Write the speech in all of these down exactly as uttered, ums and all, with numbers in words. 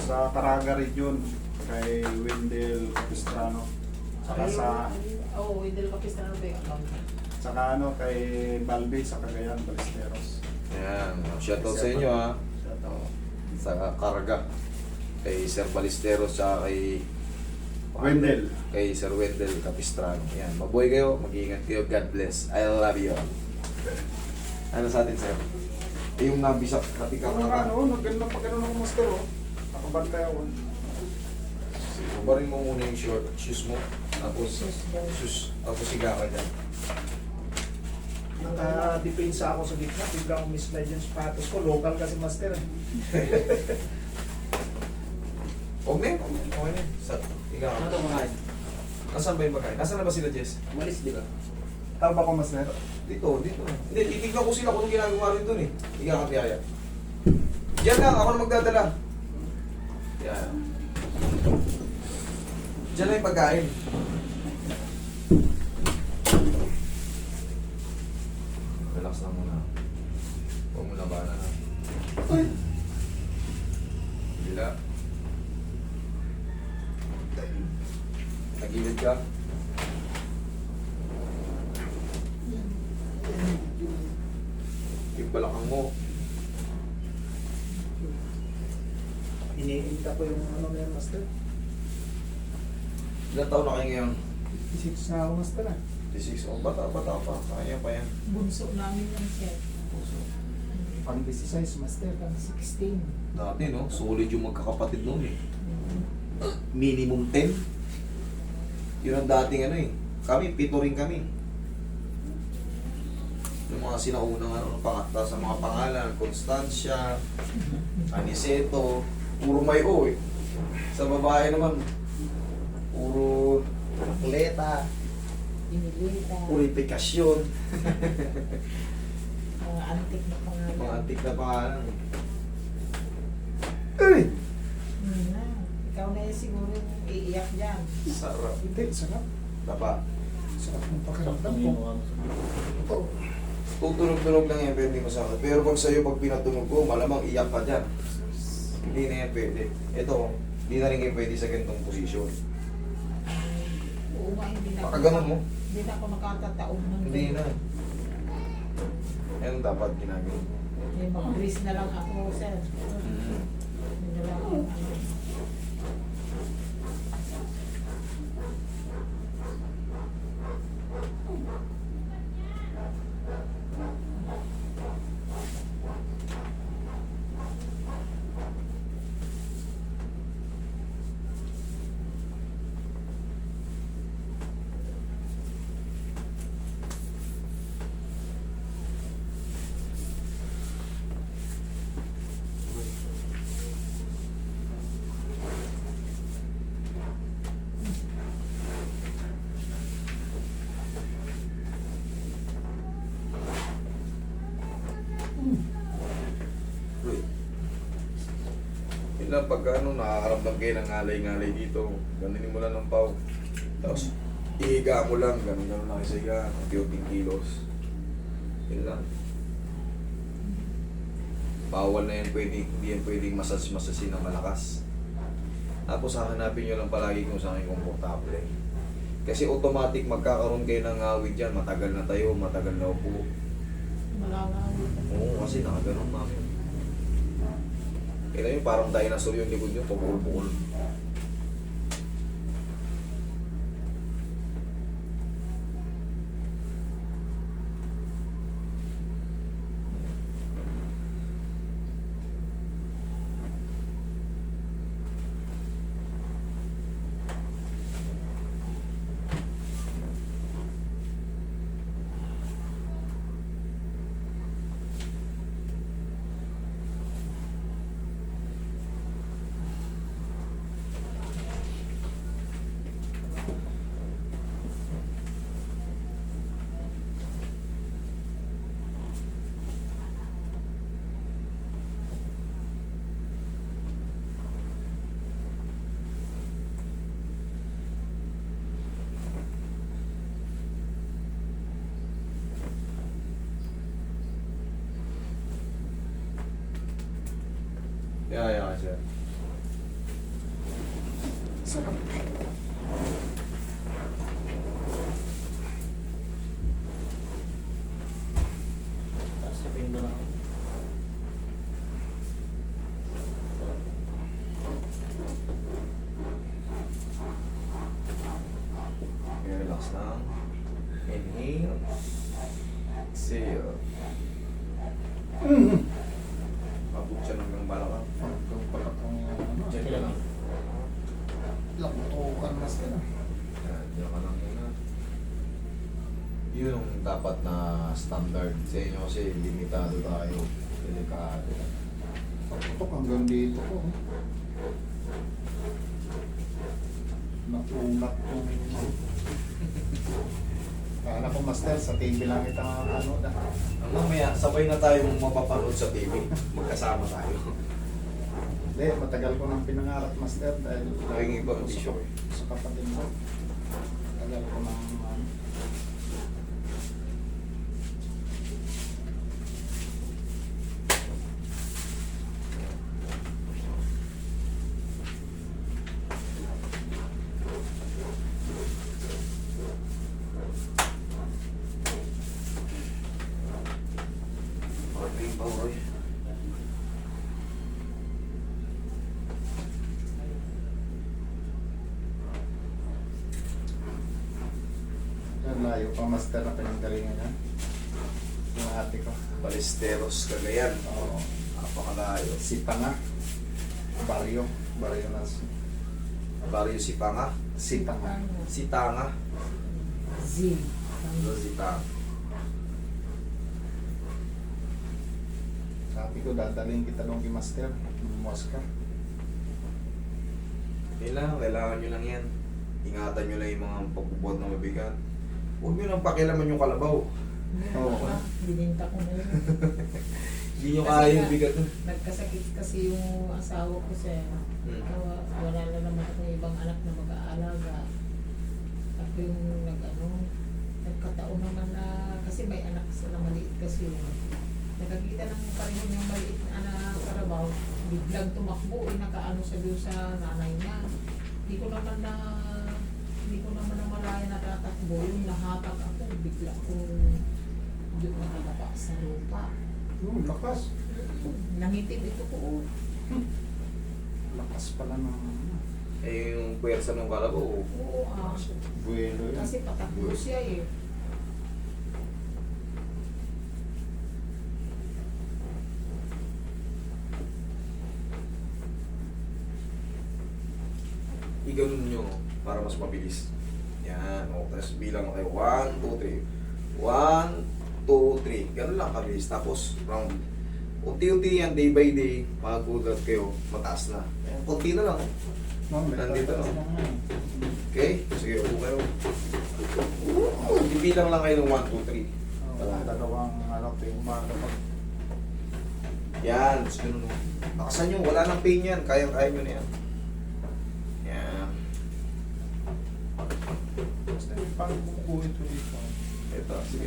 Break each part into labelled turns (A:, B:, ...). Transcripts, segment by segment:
A: Sa Caraga region, kay Wendell Capistrano. Saka sa,
B: Oo, oh, Idel Capistrano ba yung account?
A: saka ano, kay Balbe sa Cagayan, Ballesteros.
C: Ayan, shoutout sa inyo ha.
A: Shoutout.
C: Sa Karga. Kay Sir Ballesteros tsaka kay
A: Wendell.
C: Kay Sir Wendell Capistrano. Ayan, mabuhay kayo, mag-iingat kayo. God bless. I love you. Ano sa atin, sir? Eh, yung nabisak, natikak
A: Ano
C: na
A: nga, no? Naganda pa ganun ako, master, oh. Nakabantay ako.
C: Barin mo muna yung short shoes mo. Tapos, shoes. Tapos siga ka dyan.
D: Naka-depensa ako sa gitna, bigla akong mislide yung sapatos ko. Local kasi master.
C: Huwag na yun. Okay na yun. Sa, higa ka.
E: Ano ito mga guys?
C: Nasaan ba yung bagay? Nasaan na ba sila, Jess?
E: Umalis, di ba?
A: Tama ko, master.
C: Dito, dito. Hindi, titignan ko sila kung anong ginagawa rin doon eh. Higa ka, tiyaya. Diyan lang, ako na magdadala. Yan. Diyan lang yung pagkain. Relax lang muna. Huwag mo labanan ha. Ay! Bila. Nagilid ka. Yung balakang mo.
D: Iniinta ko yung ano na yan, master.
C: Ilan taon na kayo ngayon?
D: Six na ako, master ah.
C: fifty-six. Oh, bata, bata pa. Kaya pa yan.
B: Bunso namin yan, sir.
D: Pang size, master, pang sixteen.
C: Dati, no? Solid yung magkakapatid noon eh. Minimum ten. Yun ang dating ano eh. Kami, pito rin kami. Yung mga sinaunang ano, pangata sa mga pangalan, Constancia, Aniceto, puro may O eh. Sa babae naman, puro atleta,
B: Inilita.
C: purifikasyon,
B: Mga antik na pangalan.
C: mga antik na pangalan. Ay!
B: Hmm, na. Ikaw na yun siguro yung iiyak dyan.
C: Sarap.
D: Hindi, sarap.
C: Tapa.
D: Sarap ng pakiramdam ko. Ito.
C: Tutunog-tunog lang yan, pwede masakit. Pero pag sa'yo, pag pinatunog ko, malamang iyak ka dyan. Hindi na yan pwede. Ito, hindi na rin kayo pwede sa ganitong posisyon.
B: Oo nga, hindi na
C: Baka ganun mo.
B: Hindi na ako nakatataob ng
C: Hindi na. Yan ang dapat ginagawa.
B: May mag-grease na lang ako, sir.
C: Mm.
B: Hindi na lang ako, ano.
C: Uy. Yun lang, pagka ano, nakakaramdam kayo ng ngalay-ngalay dito, ganunin mo lang ng pau. Tapos, ihiga mo lang, ganun-ganun lang sa higa, unti-unting kilos. Yun lang. Bawal na yan, pwede, hindi yan pwedeng masas-masasin ng malakas. Tapos hahanapin nyo lang palagi kung saan kayo komportable. Kasi automatic magkakaroon kayo ng awit dyan, matagal na tayo, matagal na upo.
B: Malangawit.
C: Oo, kasi nakaganon namin. Kaya yun, parang dinosaur yung likod nyo, tumulpukol. Yeah, yeah, sir.
D: Masarap.
B: Tapos sabihin mo lang.
C: Okay, relax lang. Inhale. Exhale.
D: Mm.
C: Abot siya ng balakang.
D: Hanggang pala kung ano.
C: Diyan ka lang.
D: Lakutukan master.
C: Yan, diyan ka lang muna. Yun yung dapat na standard sa inyo kasi limitado tayo. Delikado.
D: Pagputok hanggang dito ko. Nakunat kong... Kala ko master, sa T V lang kita ano na.
C: Ang mamaya, sabay na tayong mapapanood sa T V. Magkasama tayo.
D: Hindi, matagal ko nang pinangarap master dahil
C: Laging iba ang
D: sa-
C: bisyo eh.
D: sa kapatid ko. Matagal ko nang ano.
C: Okay, Pauroy.
D: Yan, layo pa master na pinanggalingan niya. Yung ate ko.
C: Balesteros, Cagayan.
D: Oo.
C: Napakalayo.
D: Si Panga. Barrio. Barrio na si,
C: Barrio Sipanga.
D: si Panga.
C: Sitanga.
B: Z.
C: Ano Sitanga?
D: Sabi ko, dadalhin kita doon kay master. Lumuwas ka.
C: Yun lang, kailangan nyo lang yan. Ingatan nyo lang yung mga pagbubuhat na mabigat. Huwag nyo lang pakialaman yung kalabaw.
D: Oo.
B: Bininta ko na yun.
C: Hindi nyo
B: Kasi
C: kaya yung
B: nga,
C: bigat.
B: Nagkasakit kasi yung asawa ko siya.
C: Hmm.
B: Kawa- Wala na naman akong ibang anak na mag-aalaga. Ako yung nag-ano, nagkataon naman na, kasi may anak sila maliit kasi yun. Nakakita ng pareho niyang maliit na anak karabaw, biglang tumakbo, eh, nakaano siya doon sa nanay niya. Hindi ko naman na, hindi ko naman na malaya natatakbo, yung nahatak ako, bigla akong doon nakalapa sa lupa.
D: Yung lakas.
B: Nangitim ito ko.
D: Lakas pala ng ano.
C: Eh, yung puwersa ng kalabaw.
B: Oo, ah.
D: Buwelo yun.
B: Kasi patakbo siya eh.
C: Iganon nyo para mas mabilis. Yan. O, tapos bilang ko kayo. One, two, three. One, two, three. Ganun lang kabilis. Tapos, round. Unti-unti yan, day by day, magulat kayo, mataas na. Ayan, konti na lang.
D: Ma'am, may
C: Nandito,
D: tatas
C: no?
D: lang nga eh.
C: Okay? Sige, upo kayo. Ibilang lang kayo ng one, two, three.
D: Oo, dalawang ano, yung umaga pag
C: Yan, tapos ganun. o. Nakasan nyo, wala nang pain yan. Kaya-kaya nyo na yan. Yan.
D: basta yung pang bumukuhin ko dito.
C: Ito, sige.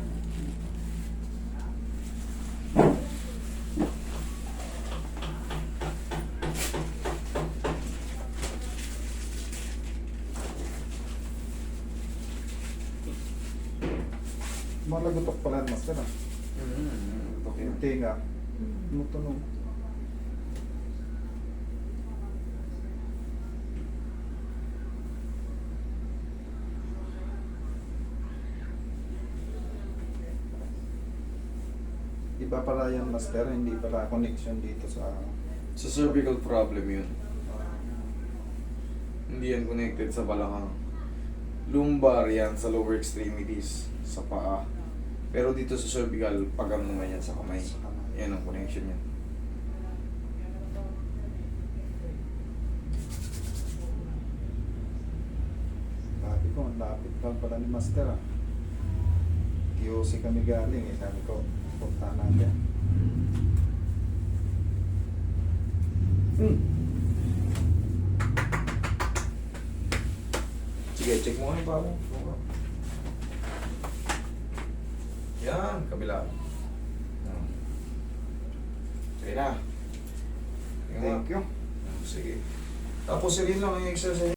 D: Malagutok pala master ah.
C: Mm-hmm. Okay.
D: Yung tinga, tumutunog. Iba pala yan master, hindi pala connection dito sa...
C: Sa cervical problem yun.
D: ah,
C: Hindi yan connected sa balakang. Lumbar yan sa lower extremities, sa paa. Pero dito sa cervical, pagam naman yan sa kamay.
D: sa kamay.
C: Yan ang connection yan.
D: Sabi ko, ang lapit lang pala ni master ah. Q C kami galing eh. Sabi ko, punta natin. Hmm.
C: Sige, check mo nga yung paa mo. Yan, kabila. Yan. Sige na. Tingnan mo.
D: Thank you.
C: Sige. Tapos, sige lang ang exercise.